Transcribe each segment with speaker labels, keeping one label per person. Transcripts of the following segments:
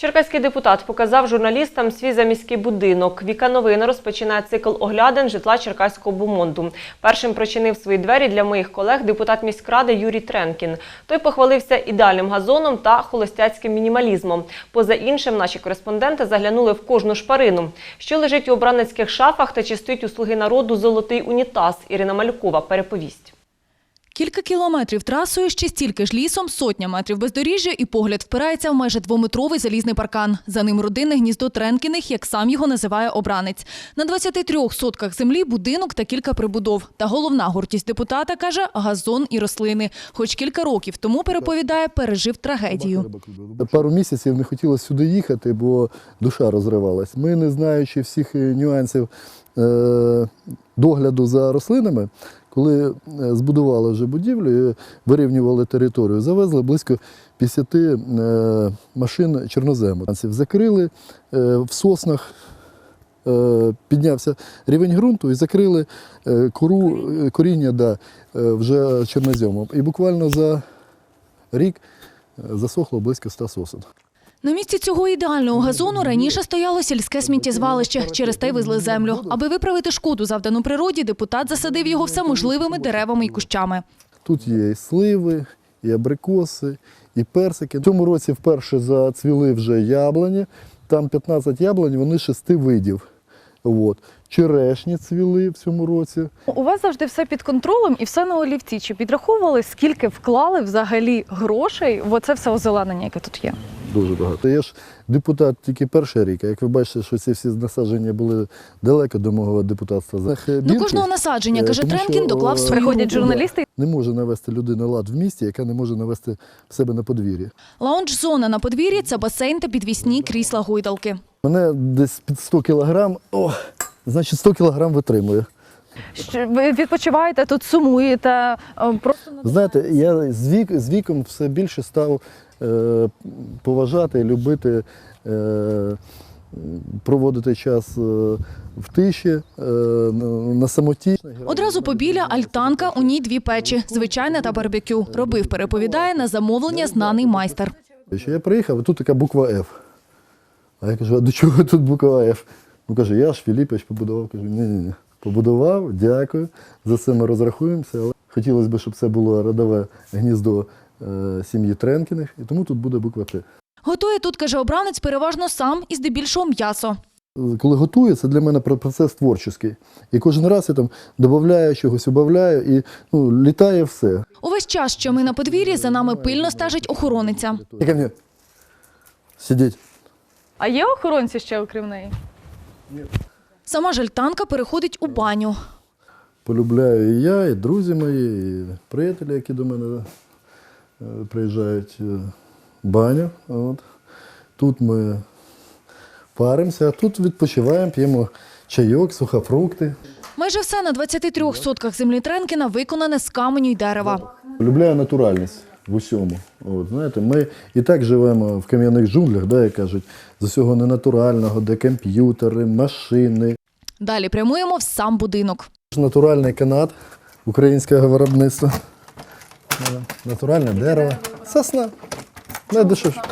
Speaker 1: Черкаський депутат показав журналістам свій заміський будинок. Віка Новини розпочинає цикл оглядин житла Черкаського бумонду. Першим прочинив свої двері для моїх колег депутат міськради Юрій Тренкін. Той похвалився ідеальним газоном та холостяцьким мінімалізмом. Поза іншим, наші кореспонденти заглянули в кожну шпарину. Що лежить у обраницьких шафах та чи стоїть у «Слуги народу» золотий унітаз, Ірина Малюкова переповість.
Speaker 2: Кілька кілометрів трасою, ще стільки ж лісом, сотня метрів бездоріжжя і погляд впирається в майже двометровий залізний паркан. За ним родинне гніздо Тренкіних, як сам його називає обранець. На 23 сотках землі будинок та кілька прибудов. Та головна гордість депутата, каже, газон і рослини. Хоч кілька років тому, переповідає, пережив трагедію.
Speaker 3: Пару місяців не хотілося сюди їхати, бо душа розривалась. Ми, не знаючи всіх нюансів догляду за рослинами, коли збудували вже будівлю і вирівнювали територію, завезли близько 50 машин чорнозему. Закрили в соснах, піднявся рівень ґрунту і закрили коріння вже чорноземом. І буквально за рік засохло близько 100 сосен.
Speaker 2: На місці цього ідеального газону раніше стояло сільське сміттєзвалище, через те й везли землю. Аби виправити шкоду, завдану природі, депутат засадив його всеможливими деревами і кущами.
Speaker 3: Тут є і сливи, і абрикоси, і персики. В цьому році вперше зацвіли вже яблуні, там 15 яблунь, вони 6 видів. Черешні цвіли в цьому році.
Speaker 4: У вас завжди все під контролем і все на олівці. Чи підраховували, скільки вклали взагалі грошей в оце все озеленення, яке тут є?
Speaker 3: Дуже багато. Я ж депутат тільки перший рік, а як ви бачите, що ці всі насадження були далеко до мого депутатства.
Speaker 2: До кожного насадження, каже Тренкін, доклав свою руку.
Speaker 4: Приходять журналісти.
Speaker 3: Не може навести людина лад в місті, яка не може навести в себе на подвір'ї.
Speaker 2: Лаунж-зона на подвір'ї – це басейн та підвісні крісла-гойдалки.
Speaker 3: Мене десь під 100 кілограм, значить 100 кілограм витримує.
Speaker 4: Ви відпочиваєте, тут сумуєте?
Speaker 3: Знаєте, я з віком все більше став поважати і любити проводити час в тиші, на самоті.
Speaker 2: Одразу побіля альтанка, у ній 2 печі – звичайна та барбекю. Робив, переповідає, на замовлення знаний майстер.
Speaker 3: Я приїхав, а тут така буква «Ф». А я кажу, а до чого тут буква «Ф»? Ну, каже, я ж Філіпович побудував. Кажу, ні. Побудував, дякую, за це ми розрахуємося. Але хотілося б, щоб це було родове гніздо сім'ї Тренкіних, і тому тут буде буква «Т».
Speaker 2: Готує тут, каже обранець, переважно сам і здебільшого м'ясо.
Speaker 3: Коли готую, це для мене процес творчий. І кожен раз я там додаю чогось, убавляю, і літає все.
Speaker 2: Увесь час, що ми на подвір'ї, за нами пильно стежить охорониця.
Speaker 3: Ко мені. Сидіть.
Speaker 4: А є охоронці ще окрім неї?
Speaker 3: Ні.
Speaker 2: Сама ж альтанка переходить у баню.
Speaker 3: Полюбляю і я, і друзі мої, і приятелі, які до мене приїжджають, баню. Тут ми паримося, а тут відпочиваємо, п'ємо чайок, сухофрукти.
Speaker 2: Майже все на 23 сотках землі Тренкіна виконане з каменю й дерева.
Speaker 3: Полюбляю натуральність в усьому. Знаєте, ми і так живемо в кам'яних джунглях, як кажуть, з усього ненатурального, де комп'ютери, машини. Далі
Speaker 2: прямуємо в сам будинок.
Speaker 3: Натуральний канат українського виробництва. Натуральне дерево. Сосна. Найдешевше.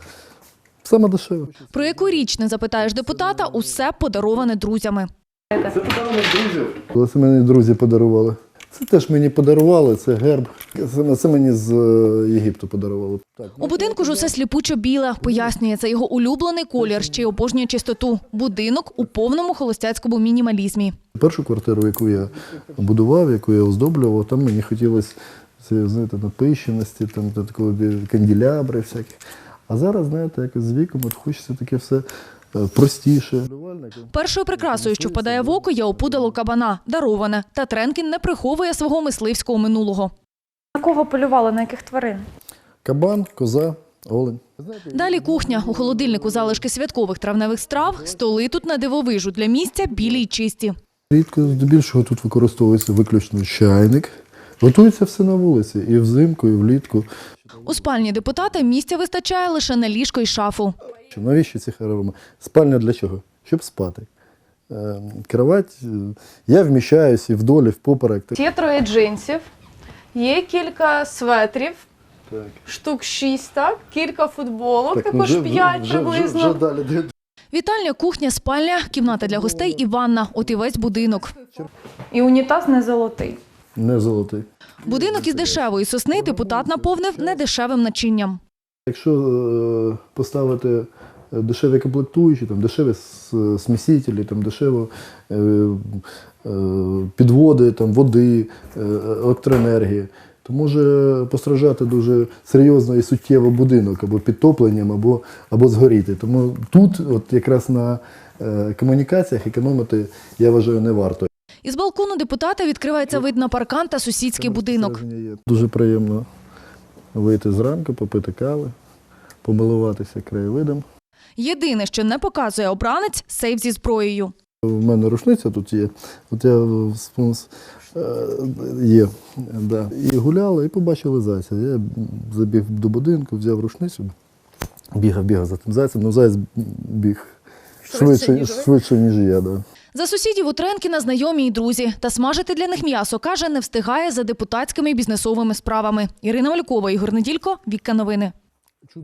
Speaker 3: Саме дешеве.
Speaker 2: Про яку річ не запитаєш депутата, усе подароване друзями.
Speaker 3: Це подарунок друзів. Коли це мені друзі подарували. Це теж мені подарували, це герб. Це мені з Єгипту подарували.
Speaker 2: У будинку ж усе сліпучо-біле. Пояснює, це його улюблений колір, ще й обожнює чистоту. Будинок у повному холостяцькому мінімалізмі.
Speaker 3: Першу квартиру, яку я будував, яку я оздоблював, там мені хотілося напищеності, такого канделябри всяких. А зараз, знаєте, якось з віком хочеться таке все простіше.
Speaker 2: Першою прикрасою, що впадає в око, є опудало кабана, дароване. Та Тренкін не приховує свого мисливського минулого.
Speaker 4: На кого полювали, на яких тварин?
Speaker 3: Кабан, коза, олень.
Speaker 2: Далі кухня. У холодильнику залишки святкових травневих страв, столи тут на дивовижу, для місця білі й чисті.
Speaker 3: Рідко, здебільшого тут використовується виключно чайник. Готується все на вулиці, і взимку, і влітку.
Speaker 2: У спальні депутата місця вистачає лише на ліжко й шафу.
Speaker 3: Навіщо ці хороми? Спальня для чого? Щоб спати. Кровать, я вміщаюся і вдоль, і впоперек.
Speaker 4: Є 3 джинсів, є кілька светрів,
Speaker 3: Так.
Speaker 4: Штук 6, так? Кілька футболок,
Speaker 3: Так,
Speaker 4: також 5 приблизно.
Speaker 3: Вже далі.
Speaker 2: Вітальня, кухня, спальня, кімната для гостей і ванна. От і весь будинок.
Speaker 4: І унітаз не золотий.
Speaker 3: Не золотий.
Speaker 2: Будинок із дешевої сосни депутат наповнив недешевим начинням.
Speaker 3: Якщо поставити дешеві комплектуючі, там, дешеві смісителі, там, дешево підводи, там, води, електроенергії, то може постраждати дуже серйозно і суттєво будинок або підтопленням, або згоріти. Тому тут от якраз на комунікаціях економити, я вважаю, не варто.
Speaker 2: Із балкону депутата відкривається вид на паркан та сусідський будинок.
Speaker 3: Дуже приємно вийти зранку, попити кави, помилуватися краєвидом.
Speaker 2: Єдине, що не показує обранець – сейф зі зброєю.
Speaker 3: У мене рушниця тут є, от я є, да. І гуляли, і побачили зайця. Я забіг до будинку, взяв рушницю, бігав за тим зайцем, але заяць біг швидше, ніж я. Да.
Speaker 2: За сусідів у Тренкіна знайомі й друзі. Та смажити для них м'ясо, каже, не встигає за депутатськими і бізнесовими справами. Ірина Малькова, Ігор Неділько, Вікка Новини.